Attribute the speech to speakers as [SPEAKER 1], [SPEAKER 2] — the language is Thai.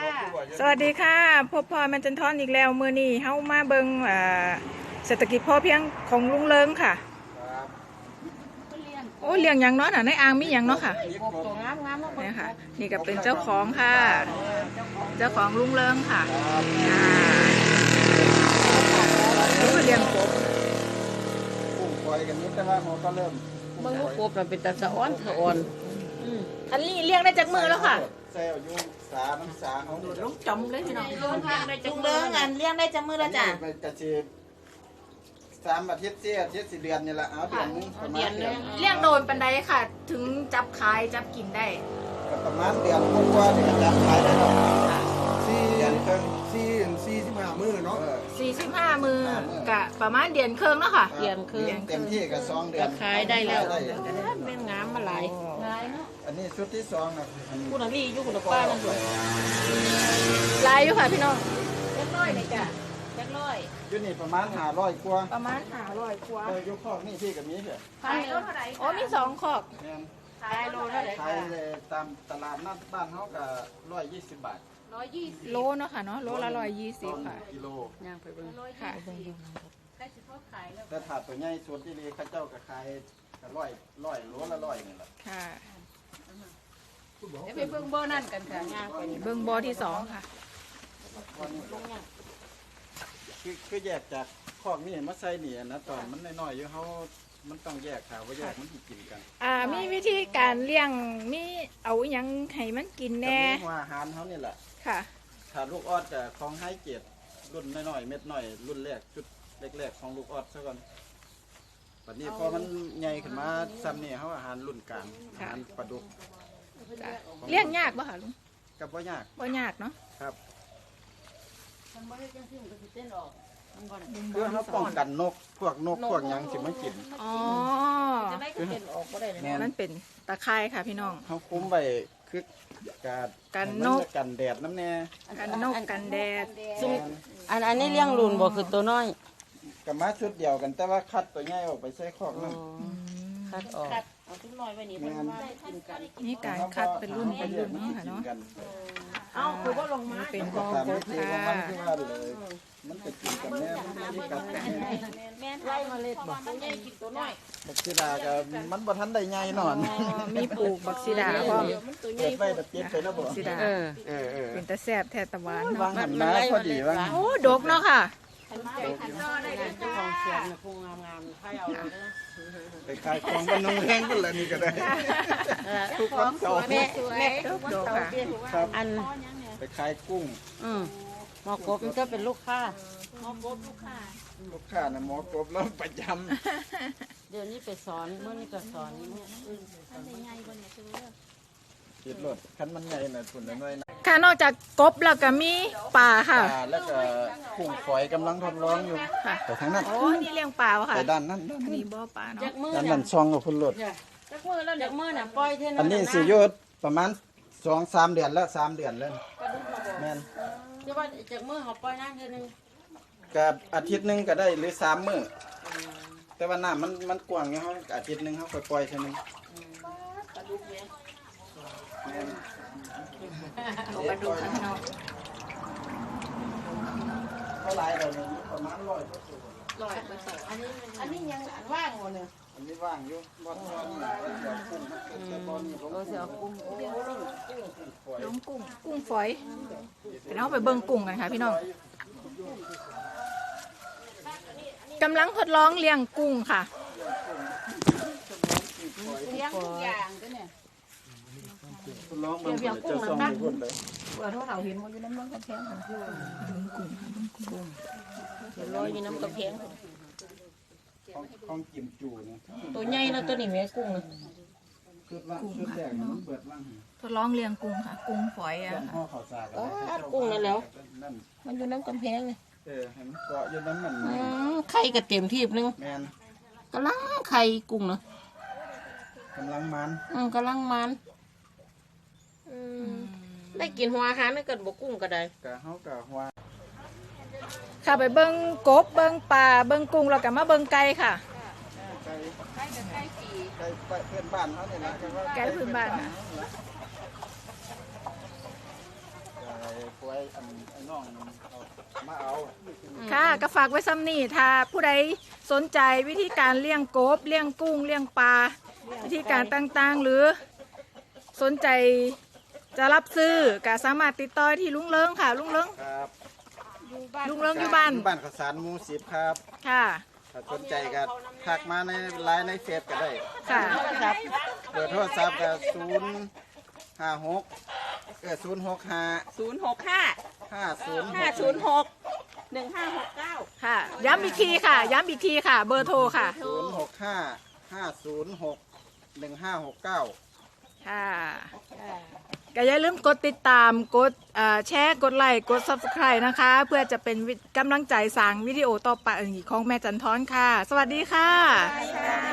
[SPEAKER 1] สวัสดีค่ะพบพอมันจันทอนอีกแล้วมือนี้เฮามาเบิงเศรษฐกิจพอเพียงของลุงเลิงค่ะโอ้เลี้ยงอย่างเนาะในอ่างมีอย่างเนาะค่ะนี่ค่ะนี่ก็เป็นเจ้าของค่ะเจ้าของลุงเลิงค่ะลูกเลี้ยงกบ
[SPEAKER 2] กุ้งปล่อยกันนี้แต่ว่าเขาก็เริ่ม
[SPEAKER 3] เมื่อกบมันเป็นตาสะอ้อนสะอ่อน
[SPEAKER 1] อันนี้เลี้ยงได้จากมือแล้วค่ะ
[SPEAKER 2] เซลล์ยุ่งสามันสาเขา
[SPEAKER 3] ลูกจมเลยพี่น้อง
[SPEAKER 1] ลุงเลิงอันเลี้ยงได้จากมือแล้วจ้ะ
[SPEAKER 2] ไปกระชี3 อาทิตย์4 อาทิตย์4 เดือนนี่แหละเอาเดือนนึงประมาณเดือน
[SPEAKER 1] เลี้ยงโดนปันไดค่ะถึงจับขายจับกินได้
[SPEAKER 2] ก็ประมาณเดือนกว่าๆจะขายได้แล้วเดือนครึ่ง
[SPEAKER 4] 45 มื้อเนาะ
[SPEAKER 1] 45 มื้อกะประมาณเดือนครึ่งเนาะค่ะ
[SPEAKER 3] เดือนคือ
[SPEAKER 2] เต็มที่ก็2 เดือน
[SPEAKER 3] ขายได้แล้วแม่งามมาหลาย
[SPEAKER 2] อันนี้ชุดที่2นะ
[SPEAKER 3] คุณอาลี่อยู่คุณป้านั่นด้วย
[SPEAKER 1] ลายอยู่ค่ะพี่น้องเล็กน้อยเลยจ้ะเล็กน้อย
[SPEAKER 2] อยู่นี่ประมาณ500 กว่า
[SPEAKER 1] ประมาณ500 กว่า
[SPEAKER 2] อยู่คอกนี่พี่กับมีเถอะ
[SPEAKER 1] ขายโลเท่าไหร่อ๋อมี2คอก
[SPEAKER 2] ขายโลเท่าไหร่ขายตามตลาดนัดบ้านเขาก็120 บาท
[SPEAKER 1] 120โลเนาะค่ะเนาะโลละ120ค่ะ
[SPEAKER 2] กิโล
[SPEAKER 3] ย่างไปเบิ่ง
[SPEAKER 1] ค่ะ
[SPEAKER 2] แต่ถาดตัวใหญ่ส่วนที่นี่ข้าเจ้าก็ขายก็ร้อยโลละ100นี่แหละ
[SPEAKER 1] ค่ะ
[SPEAKER 3] ไปเบิ่งบ่อนั่นกันค่ะย่างไป
[SPEAKER 1] เบิ่งบ่อที่2ค่ะ
[SPEAKER 2] คือแยกจากคอกนี่มาใส่นี่นะตอนมันน้อยๆอยู่เขามันต้องแยกค่ะว่าแยกมันกินกัน
[SPEAKER 1] มีวิธีการเลี้ยงมีเอาหยังให้มันกินแน่
[SPEAKER 2] หัวอาหารเขานี่แหละ
[SPEAKER 1] ค่ะ
[SPEAKER 2] ถ้าลูกออดจะของไฮเกรดรุ่นน้อยๆเม็ดน้อยรุ่นแรกจุดแรกๆของลูกออดซะก่อนปัจจุบันพอมันใหญ่ขึ้นมาซ้ำนี่เขาอาหารรุ่นกลางอาหารปลาดุก
[SPEAKER 1] เลี้ยงยากป่ะคะลุง
[SPEAKER 2] กับว่ายาก
[SPEAKER 1] เนาะ
[SPEAKER 2] ครับเพื่อเขาป้องกันนกพวกยังสิมากิน
[SPEAKER 1] อ๋อ
[SPEAKER 3] จะได้เป็นออกก็ได้เลย
[SPEAKER 1] นั่นเป็นตะไคร้ค่ะพี่น้อง
[SPEAKER 2] เขาคุ้มไปคือกันนกกันแดดน้ำแน่
[SPEAKER 1] กันนกกันแดด
[SPEAKER 3] อันนี้เลี้ยงรุ่นบ่คือตัวน้อย
[SPEAKER 2] กับมาชุดเดียวกันแต่ว่าคัดตัวใหญ่ออกไปใส่คอกนั่น
[SPEAKER 3] คัดออกเอาทุกน้อยไว้นี่
[SPEAKER 1] นี่การคัดเป็นรุ่นเนาะค่ะเนาะ
[SPEAKER 3] เอ้าคือว่าลงมา
[SPEAKER 1] เป็นบ่อโบค่ะ
[SPEAKER 2] มันจะกินกันแน่มันไม่กัดกัน
[SPEAKER 3] แม่ไล่มาเล็ดบ่ตัวใหญ่กินตัวน้อย
[SPEAKER 2] บักซีดาก็มันบ่ทันได้ใหญ่นอน
[SPEAKER 1] มีปลูกบักซีดาพร้อม
[SPEAKER 2] เก็บไว้แต่เก็บไปแล้วบ่
[SPEAKER 1] บักซีดาเป็นตะแซ่บแท้ตะหวาน
[SPEAKER 2] วางหันมาพอดีว่า
[SPEAKER 1] โอ้ดกเนาะค่ะ
[SPEAKER 3] ของเสียงคงงามๆให้เอา
[SPEAKER 2] ไปขายของบ้านน้องแห้งกันแล้วนี่ก็ได้ทุกวันเสาร์
[SPEAKER 1] แม่ดกค่ะ
[SPEAKER 2] ครับไปขายกุ้ง
[SPEAKER 3] หมอกบมันก็เป็นลูกค้า
[SPEAKER 2] ลูกค้านะหมอกบแล้วประจ
[SPEAKER 3] ำเดี๋ยวนี้ไปสอนเมื่อนี้ก็สอน
[SPEAKER 2] ติดรถคันมันใหญ่น่ะทุนน้อยนะ
[SPEAKER 1] ค่ะนอกจากกบแล้วก็มีปลาค่ะ
[SPEAKER 2] แล้วก็กุ้งฝอยกำลังทดลองอยู่
[SPEAKER 1] ค่ะ
[SPEAKER 2] แต่ทางนั้น
[SPEAKER 1] โอ้นี่เลี้ยงปลาวะค่ะ
[SPEAKER 2] ไปด้านนั้น
[SPEAKER 1] มีบ่อปลาเนาะ
[SPEAKER 2] ด้านนั้นซองกับพุ่นรถ
[SPEAKER 3] จากมือแล้วจากมือน่ะปล่อยเท่านั้น
[SPEAKER 2] อันนี้สิอยู่ประมาณ2-3 เดือนแล้ว3 เดือนแล้วแม่น
[SPEAKER 3] ที่ว่าจากมือเขาปล่อยนั่นเท่านึง
[SPEAKER 2] กับอาทิตย์นึงก็ได้หรือ3 มื้อแต่ว่าน้ำมันกว้างอยู่เฮาอาทิตย์นึงเฮาค่อยปล่อยเท่านึง
[SPEAKER 3] ปลาดุกเนี่ย
[SPEAKER 1] ปลาดุกค่ะพี่น้อง
[SPEAKER 2] เท่าไรเราเนี่ยประมาณ100
[SPEAKER 3] อันนี้ยังว่างหมดเนี่ย
[SPEAKER 2] อันนี้ว่างอยู่บ่อน
[SPEAKER 3] เสียกุ้ง
[SPEAKER 1] ล้มกุ้งฝอยเดี๋ยวเราไปเบิ่งกุ้งกันค่ะพี่น้องกำลังทดลองเลี้ยงกุ้งค่ะ
[SPEAKER 3] เลี้ยงทุกอย่างก็เนี่ย
[SPEAKER 2] ร้องมันจะส่งอยู่พุ่นเลย
[SPEAKER 3] ว่าถ้าเราเห็นมันอยู่น้ำกระเพงของกุ้งลอยอยู่น้ำกระเพง
[SPEAKER 2] ของกิมจูนะ
[SPEAKER 3] ตัวใหญ่นะตัวนี้แม่กุ้งนะ
[SPEAKER 2] คือว่าชุดแรกมันเปิดว่าง
[SPEAKER 1] ทดลองเลี้ยงกุ้งค่ะกุ้งฝอยอ่ะ
[SPEAKER 3] กุ้งนั่นแล้วมันอยู่น้ำกระเพงเลย
[SPEAKER 2] ให้มันเกาะอยู่น้ำมัน
[SPEAKER 3] ไข่กระเต็มทีบนึงกำลังไข่กุ้งนะ
[SPEAKER 2] กำลังมัน
[SPEAKER 3] กำลังมันได้กินหัวอาหารไม่เกิดบกุ้งก็ได้
[SPEAKER 2] กะเฮากะหัว
[SPEAKER 1] ค่ะไปเบิ้งกบเบิ้งปลาเบิ้งกุ้งเรากลับมาเบิ้งไก่ค่ะ
[SPEAKER 2] ไก่เพื่อนบ้านเขาเนี่ยนะ
[SPEAKER 1] ไก่พื้นบ้านนะ
[SPEAKER 2] ไไว้ไอ้น้องเอามาเอา
[SPEAKER 1] ค่ะก็ฝากไว้ซ้ำนี่ถ้าผู้ใดสนใจวิธีการเลี้ยงกบเลี้ยงกุ้งเลี้ยงปลาวิธีการต่างๆหรือสนใจจะรับซื้อก็สามารถติดต่อที่ลุงเลิงค่ะลุงเลิง
[SPEAKER 2] ครับ
[SPEAKER 1] ลุงเลิงอยู่บ้าน
[SPEAKER 2] บ้านข้าวสารหมู10ครับ
[SPEAKER 1] ค่ะ
[SPEAKER 2] ถ้าสนใจก็ทักมาในไลน์ในเฟซก็ได้
[SPEAKER 1] ค่ะ
[SPEAKER 2] เบอร์โทรศัพท์ก็056 065 50
[SPEAKER 5] 1569
[SPEAKER 1] ค่ะย้ำอีกทีค่ะย้ำอีกทีค่ะ เบอร์โทรค่ะ
[SPEAKER 2] 065 506 1569
[SPEAKER 1] ค่ะก็อย่าลืมกดติดตามกดแชร์กดไลค์กด Subscribe นะคะ เพื่อจะเป็นกำลังใจสร้างวิดีโอต่อไปของแม่จันทร์ค่ะ สวัสดีค่ะ